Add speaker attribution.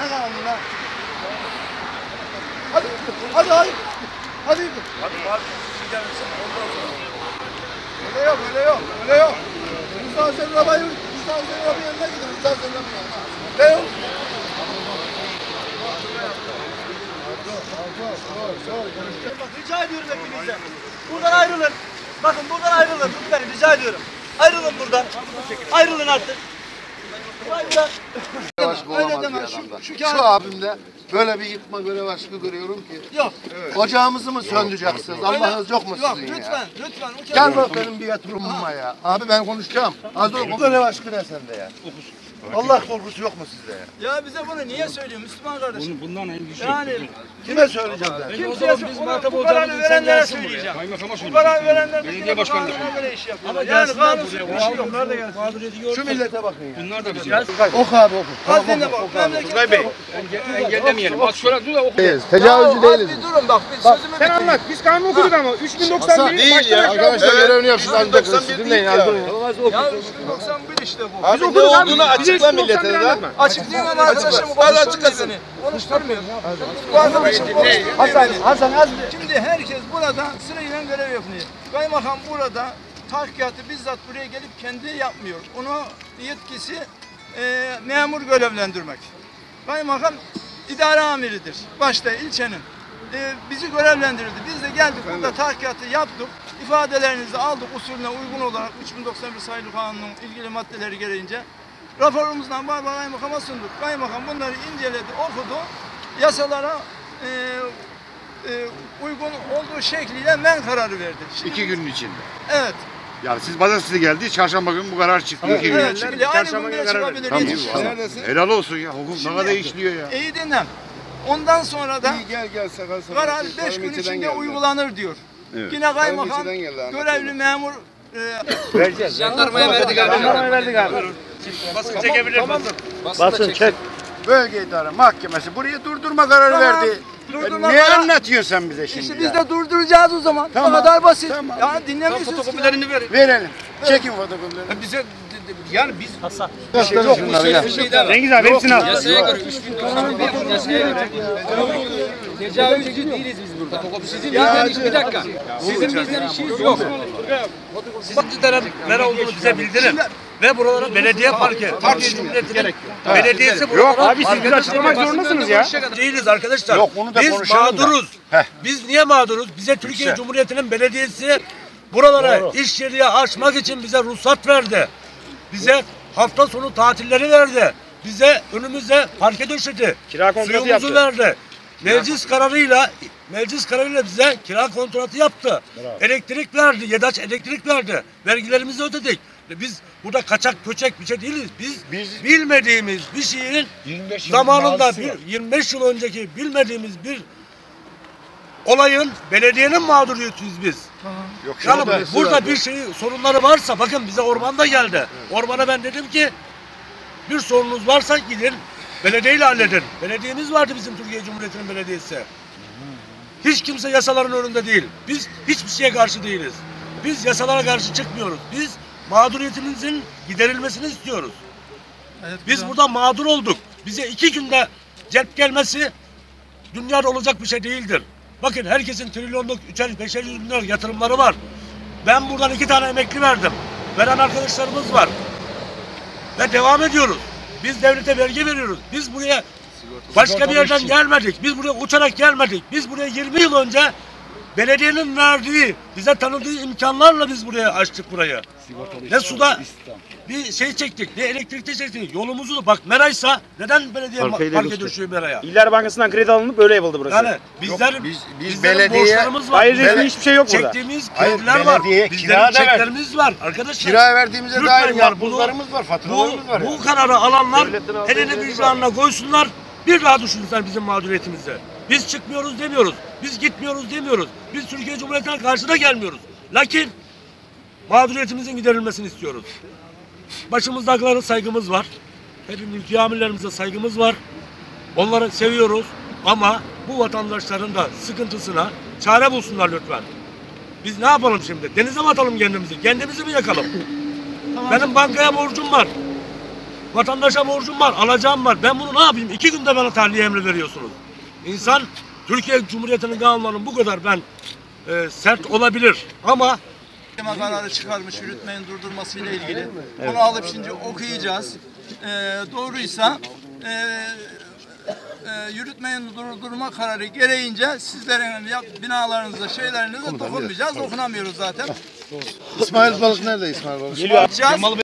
Speaker 1: Ne kadar lan? Hadi. Hadi. Hadi.
Speaker 2: Hadi abi gider misin? Ondan sonra.
Speaker 1: Öyle yok, öyle yok, öyle yok. Mustafa senin arabayı yanına gidin. Mustafa senin arabayı yanına. Ne yok?
Speaker 3: Bak rica ediyorum hepinizden. Buradan ayrılın. Bakın buradan ayrılın. Lütfen rica ediyorum. Ayrılın buradan. Ayrılın artık. Ayrılın.
Speaker 1: Aşkı olamaz bir adamda. Şu abimde böyle bir yıkma görev aşkı görüyorum ki.
Speaker 3: Yok.
Speaker 1: Ocağımızı mı söndüreceksiniz? Allah'ınız yok mu
Speaker 3: Yok
Speaker 1: sizin
Speaker 3: lütfen.
Speaker 1: ya?
Speaker 3: Lütfen.
Speaker 1: Gel bak benim bir yatırımıma ya. Abi ben konuşacağım. Az dur. Görev aşkı ne sende ya? Allah korkusu yok mu sizde ya?
Speaker 3: Ya bize bunu niye söylüyor Müslüman kardeşim?
Speaker 4: Bundan en güçlü.
Speaker 3: Yani
Speaker 1: Kime söyleyeceğim ben?
Speaker 3: kimseye bu kararı verenlere söyleyeceğim. Bu kararı verenler de
Speaker 4: Belediye başkanlığı.
Speaker 3: göre iş yapıyorlar. Yani kanunsuz bir şey yok.
Speaker 4: Onlar da gelsin. Mağduriyeti gördük.
Speaker 1: Şu millete bakın ya.
Speaker 4: Bunlar da bizim.
Speaker 1: Oku abi oku.
Speaker 3: Az dinle bak.
Speaker 4: Tugay Bey, engellemeyelim. Bak şöyle dur da oku.
Speaker 1: Tecavüzcü değiliz.
Speaker 3: Bir durun bak. Sözümü
Speaker 4: Sen anlat. Biz kanunu okuduk ama 3091
Speaker 1: Değil ya. Arkadaşlar görevini yapsın. Dinleyin abi.
Speaker 3: Ya 3091 işte bu.
Speaker 4: Biz okuduk abi.
Speaker 2: açıkla millete de.
Speaker 3: Açıklayayım ben arkadaşım konuşturmuyor beni. Konuşturmuyor. Bu arkadaşım konuşturmuyor.
Speaker 1: Hasan az
Speaker 3: Şimdi herkes burada sırayla görev yapıyor. Kaymakam burada tahkikatı bizzat buraya gelip kendi yapmıyor. Onu yetkisi memur görevlendirmek. Kaymakam idare amiridir. Başta ilçenin. Bizi görevlendirildi. Biz de geldik burada tahkikatı yaptık. İfadelerinizi aldık usulüne uygun olarak 3091 sayılı kanunun ilgili maddeleri gereğince. Raporumuzdan kaymakama sunduk. Kaymakam bunları inceledi, okudu. Yasalara uygun olduğu şekliyle men kararı verdi. Şimdi,
Speaker 5: 2 günün içinde.
Speaker 3: evet.
Speaker 5: Yani siz pazartesi geldi, çarşamba günü bu karar çıktı. 2 gün
Speaker 3: Evet,
Speaker 5: içinde.
Speaker 3: şimdi aynı gün bile çıkabilir.
Speaker 5: Tamam.
Speaker 3: Yetişir.
Speaker 5: Helal olsun ya. Hukuk ne kadar işliyor ya.
Speaker 3: İyi dinle. Ondan sonra da
Speaker 1: gel sakal sakal.
Speaker 3: karar 5 gün içinde uygulanır diyor. Yine kaymakam görevli memur
Speaker 4: Jandarmaya verdik abi. Jandarmaya verdik abi. Basın çekebilir basın.
Speaker 1: çek. Bölge İdare Mahkemesi buraya durdurma kararı
Speaker 3: Tamam,
Speaker 1: verdi.
Speaker 3: durdurma
Speaker 1: Ne
Speaker 3: kararı-
Speaker 1: anlatıyorsun sen bize şimdi?
Speaker 3: İşte biz
Speaker 1: ya?
Speaker 3: de durduracağız o zaman.
Speaker 1: Tamam,
Speaker 3: O kadar basit.
Speaker 1: tamam.
Speaker 3: Ya dinlemiyorsunuz.
Speaker 4: Fotokopilerini ver.
Speaker 1: Verelim. Çekin fotokopileri.
Speaker 4: Bize yani biz
Speaker 1: Yok şunları ya.
Speaker 4: Cengiz abi hepsini al.
Speaker 6: Yasaya göre 3091 yasaya göre tecavüzcü değiliz biz burada. Sizin bizden bir dakika. Sizin bizden işiniz yok.
Speaker 4: Sizin nere olduğunu bize bildirin. Ve buralara belediye parke. Türkiye Cumhuriyeti'nin belediyesi buralara
Speaker 5: Abi siz bizi açıklamak zorundasınız ya.
Speaker 4: değiliz arkadaşlar.
Speaker 1: Yok, onu da
Speaker 4: biz
Speaker 1: konuşalım da.
Speaker 4: mağduruz. Biz niye mağduruz? Bize Türkiye Cumhuriyeti'nin belediyesi buralara iş yeri açmak için bize ruhsat verdi. Bize hafta sonu tatilleri verdi. Bize önümüze parke döşedi.
Speaker 5: Kira kontratı
Speaker 4: Suyumuzu
Speaker 5: yaptı.
Speaker 4: verdi. Meclis kararıyla bize kira kontratı yaptı. Elektrik verdi. YEDAŞ elektrik verdi. Vergilerimizi ödedik. Biz burada kaçak köçek bir şey değiliz. Biz bilmediğimiz bir şeyin zamanında 25 yıl önceki bilmediğimiz bir olayın belediyenin mağduriyetiyiz biz.
Speaker 1: Yok,
Speaker 4: Yani
Speaker 1: şurada-
Speaker 4: burada bir şey sorunları varsa bakın bize ormanda geldi. Ormana ben dedim ki bir sorunuz varsa gidin belediyeyle halledin. Belediyemiz vardı bizim Türkiye Cumhuriyeti'nin belediyesi. Hiç kimse yasaların önünde değil. Biz hiçbir şeye karşı değiliz. Biz yasalara karşı çıkmıyoruz. Biz mağduriyetimizin giderilmesini istiyoruz. Biz burada mağdur olduk. Bize 2 günde celp gelmesi dünyada olacak bir şey değildir. Bakın herkesin trilyonluk 3'er 5'er bin lira yatırımları var. Ben buradan 2 tane emekli verdim. Veren arkadaşlarımız var. Ve devam ediyoruz. Biz devlete vergi veriyoruz. Biz buraya başka bir yerden gelmedik. Biz buraya uçarak gelmedik. Biz buraya 20 yıl önce belediyenin verdiği, bize tanıdığı imkanlarla biz buraya açtık burayı. Ne suda bir şey çektik, ne elektrikte çektik. Yolumuzu da bak Meray'sa neden belediye parke düşüyor Meray'a?
Speaker 5: İller Bankası'ndan kredi alınıp böyle yapıldı burası.
Speaker 4: Yani bizlerin
Speaker 1: belediye-
Speaker 4: borçlarımız var.
Speaker 5: Hayır,
Speaker 4: Bizlerin
Speaker 5: hiçbir şey yok burada.
Speaker 4: çektiğimiz
Speaker 1: Hayır,
Speaker 4: krediler var.
Speaker 1: belediye
Speaker 4: Bizlerin
Speaker 1: kira da ver.
Speaker 4: çeklerimiz var arkadaşlar.
Speaker 1: Kiraya verdiğimize
Speaker 4: Lütfen
Speaker 1: dair
Speaker 4: ya,
Speaker 1: makbuzlarımız var, faturalarımız var.
Speaker 4: Bu kararı alanlar elini vicdanına koysunlar. Bir daha düşünsünler bizim mağduriyetimizi. Biz çıkmıyoruz demiyoruz. Biz gitmiyoruz demiyoruz. Biz Türkiye Cumhuriyeti'ne karşı da gelmiyoruz. Lakin mağduriyetimizin giderilmesini istiyoruz. Başımızdakilere saygımız var. Hepimiz mülki amirlerimize saygımız var. Onları seviyoruz ama bu vatandaşların da sıkıntısına çare bulsunlar lütfen. Biz ne yapalım şimdi? Denize mi atalım kendimizi? Kendimizi mi yakalım? Benim bankaya borcum var. Vatandaşa borcum var, alacağım var. Ben bunu ne yapayım? 2 günde bana tahliye emri veriyorsunuz. İnsan, Türkiye Cumhuriyeti'nin kanunlarının bu kadar sert olabilir. Ama
Speaker 3: Mahkeme kararı çıkarmış yürütmeyin durdurması ile ilgili. Onu alıp şimdi okuyacağız. Doğruysa yürütmeyin durdurma kararı gereğince sizlerin binalarınıza, şeylerinize dokunmayacağız. Okunamıyoruz zaten.
Speaker 1: İsmail Balık nerede İsmail Balık?
Speaker 3: Geliyor.